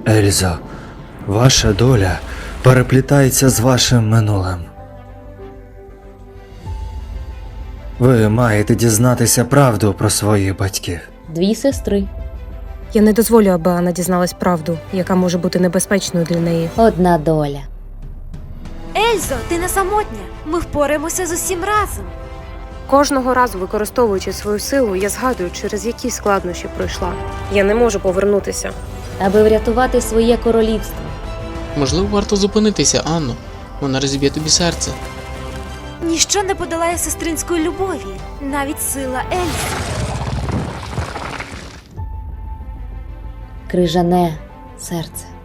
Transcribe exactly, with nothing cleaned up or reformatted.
Ельзо, ваша доля переплітається з вашим минулим. Ви маєте дізнатися правду про своїх батьків. Дві сестри. Я не дозволю, аби Анна дізналась правду, яка може бути небезпечною для неї. Одна доля. Ельзо, ти не самотня. Ми впораємося з усім разом. Кожного разу, використовуючи свою силу, я згадую, через які складнощі пройшла. Я не можу повернутися. Аби врятувати своє королівство. Можливо, варто зупинитися, Анно. Вона розіб'є тобі серце. Ніщо не подолає сестринської любові, навіть сила Ельзи. Крижане серце.